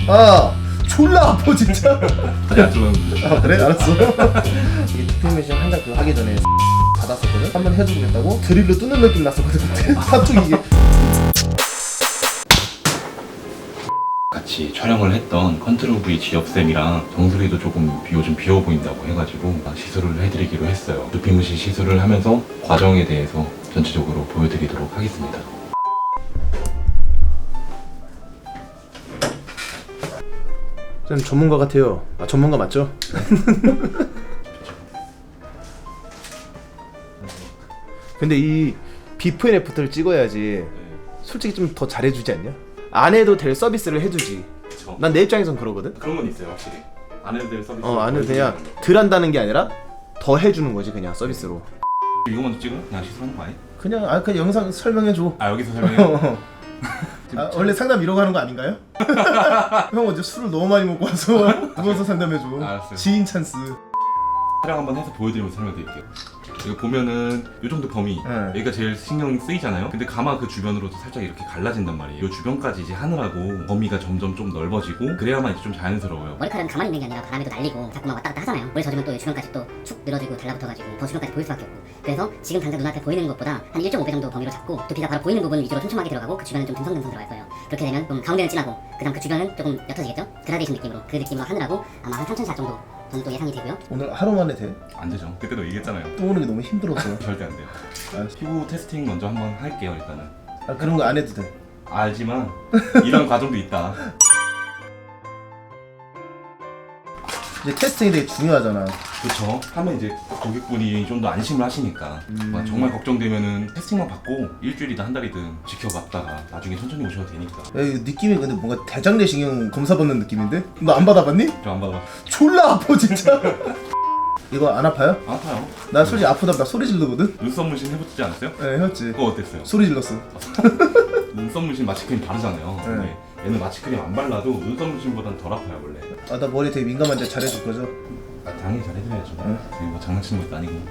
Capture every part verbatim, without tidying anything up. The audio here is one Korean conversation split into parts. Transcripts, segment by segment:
아 졸라 아파 진짜. 아니 안 좋았는데. 아 그래? 알았어. 이게 투표 매신 한장 그거 하기 전에 받았었거든? 한번 해주겠다고 드릴로 뚫는 느낌 났었거든 그때. 한쪽 이게 같이 촬영을 했던 컨트롤 V 지엽쌤이랑 정수리도 조금 비- 요즘 비어 보인다고 해가지고 시술을 해드리기로 했어요. 두피무신 시술을 하면서 과정에 대해서 전체적으로 보여드리도록 하겠습니다. 쌤 전문가 같아요. 아 전문가 맞죠? 근데 이 비포 앤 애프터를 찍어야지 솔직히 좀 더 잘해주지 않냐? 안 해도 될 서비스를 해주지. 그쵸. 난 내 입장에선 그러거든? 그런 건 있어요 확실히. 안 해도 될 서비스. 어 안 해도 그냥 덜 한다는 게 아니라 더 해주는 거지 그냥 서비스로. 이거 먼저 찍어? 그냥 시술하는 거 아니? 그냥 아 그냥 영상 설명해줘. 아 여기서 설명해. 아, 원래 상담 이러고 하는 거 아닌가요? 형 어제 술을 너무 많이 먹고 와서 누워서 상담해줘. 알았어요. 지인 찬스. 촬영 한번 해서 보여드리면서 설명드릴게요. 이거 보면은 이 정도 범위 네. 여기가 제일 신경 쓰이잖아요. 근데 가마 그 주변으로도 살짝 이렇게 갈라진단 말이에요. 이 주변까지 이제 하느라고 범위가 점점 좀 넓어지고 그래야만 이제 좀 자연스러워요. 머리카락은 가만히 있는 게 아니라 바람에도 날리고 자꾸만 왔다 갔다 하잖아요. 물에 젖으면 또 주변까지 또 축 늘어지고 달라붙어가지고 더 주변까지 보일 수밖에 없고, 그래서 지금 당장 눈앞에 보이는 것보다 한 일 점 오 배 정도 범위로 잡고 두피가 바로 보이는 부분 위주로 촘촘하게 들어가고 그 주변은 좀 듬성듬성 들어갈 거예요. 그렇게 되면 좀 가운데는 진하고 그 다음 그 주변은 조금 옅어지겠죠? 그라데이션 느낌으로 그 느낌으로 하느라고 아마 한 삼천 샷 정도 저는 또 예상이 되고요. 오늘 하루 만에 돼? 안 되죠. 그때도 얘기했잖아요. 또 오는 게 너무 힘들었어. 절대 안 돼요. 아, 피부 테스팅 먼저 한번 할게요 일단은. 아 그런 거 안 해도 돼. 알지만 이런 과정도 있다. 이제 테스팅이 되게 중요하잖아. 그쵸. 하면 이제 고객분이 좀 더 안심을 하시니까 음. 막 정말 걱정되면은 테스팅만 받고 일주일이든 한 달이든 지켜봤다가 나중에 천천히 오셔도 되니까. 야, 이 느낌이 근데 뭔가 대장내시경 검사 받는 느낌인데? 너 안 받아봤니? 저 안 받아. 졸라 아파 진짜. 이거 안 아파요? 안 아파요. 나 솔직히 아프다면 나 소리 지르거든? 눈썹 문신 해보지 않았어요? 네 했지. 그거 어땠어요? 소리 질렀어. 눈썹 문신 마취크림 바르잖아요. 네. 근데 얘는 마취크림 안 발라도 눈썹 문신보단 덜 아파요 원래. 아 나 머리 되게 민감한데 잘해줄 거죠? 아, 당연히 잘해드려야죠. 응. 지금 뭐 장난치는 것도 아니고.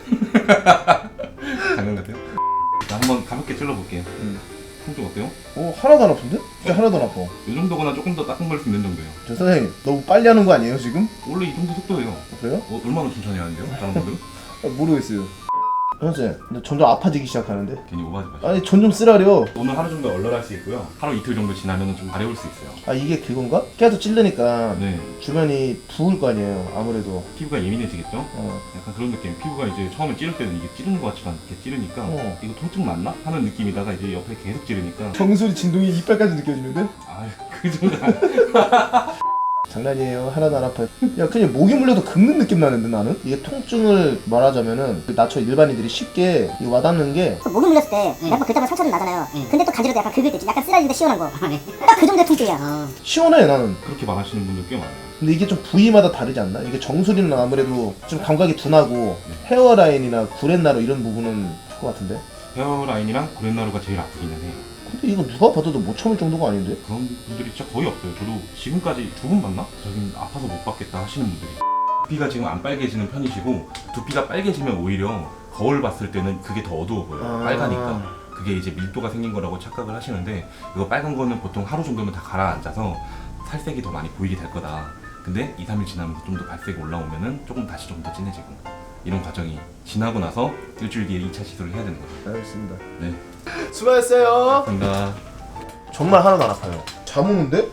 장난 같아요? 자, 한번 가볍게 찔러볼게요. 응. 통증 어때요? 어 하나도 안 아픈데? 진짜 하나도 안 아파. 이 정도거나 조금 더 따끔거릴 수 있는 정도예요. 저 선생님 너무 빨리 하는 거 아니에요 지금? 원래 이 정도 속도예요. 그래요? 어, 얼마나 천천히 하는데요? 다른 분들은? 아, 모르겠어요. 선생님 근데 점점 아파지기 시작하는데? 괜히 오버하지 마시고. 아니 전 좀 쓰라려. 오늘 하루 정도 얼얼할 수 있고요. 하루 이틀 정도 지나면 좀 가려울 수 있어요. 아 이게 그건가? 계속 찌르니까 네. 주변이 부을 거 아니에요 아무래도. 피부가 예민해지겠죠? 어. 약간 그런 느낌. 피부가 이제 처음에 찌를 때는 이게 찌르는 것 같지가 않게 찌르니까 어. 이거 통증 맞나? 하는 느낌이다가 이제 옆에 계속 찌르니까 정수리 진동이 이빨까지 느껴지는데? 아유 그 정도 아니- 장난이에요. 하나도 안 아파요. 야 그냥 목이 물려도 긁는 느낌 나는데 나는? 이게 통증을 말하자면은 나처럼 일반인들이 쉽게 이 와닿는 게 목이 물렸을 때 약간 긁다가 상처 좀 나잖아요. 근데 또 간지러도 약간 긁을 때 약간 쓰라리는데 시원한 거. 딱 그 정도의 통증이야. 시원해 나는. 그렇게 말하시는 분들 꽤 많아요. 근데 이게 좀 부위마다 다르지 않나? 이게 정수리는 아무래도 좀 감각이 둔하고 헤어라인이나 구렛나루 이런 부분은 클 것 같은데? 헤어라인이랑 고렛나루가 제일 아프기는 해요. 근데 이거 누가 봐도 못 참을 정도가 아닌데? 그런 분들이 진짜 거의 없어요. 저도 지금까지 두 분 봤나? 저긴 아파서 못 받겠다 하시는 분들이. 두피가 지금 안 빨개지는 편이시고 두피가 빨개지면 오히려 거울 봤을 때는 그게 더 어두워 보여요. 아. 빨가니까. 그게 이제 밀도가 생긴 거라고 착각을 하시는데 이거 빨간 거는 보통 하루 정도면 다 가라앉아서 살색이 더 많이 보이게 될 거다. 근데 이, 삼 일 지나면서 좀 더 발색이 올라오면은 조금 다시 좀 더 진해지고 이런 과정이 지나고 나서 일주일 뒤에 이 차 시술을 해야 되는 거죠. 알겠습니다. 네. 수고하셨어요. 감사합니다. 정말 하나도 안 아파요. 잘 오는데?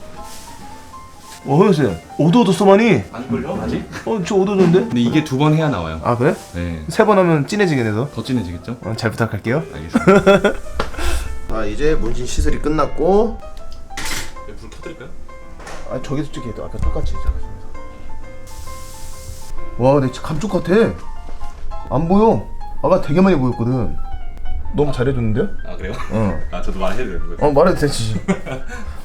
어, 선생님. 오도도 써마니? 안 걸려? 아직? 어, 저 오도도인데? 근데 이게 두 번 해야 나와요. 아, 그래? 네. 세 번 하면 진해지게 돼서? 더 진해지겠죠? 어, 잘 부탁할게요. 알겠습니다. 아, 이제 문신 시술이 끝났고. 불 켜드릴까요? 아, 저기서 찍게도 아까 똑같이 시작했습니다. 와, 내 진짜 감쪽 같아. 안 보여. 아까 되게 많이 보였거든. 너무 잘해줬는데요? 아 그래요? 어. 아 저도 말해야 되는 거예요? 어, 말해도 되지.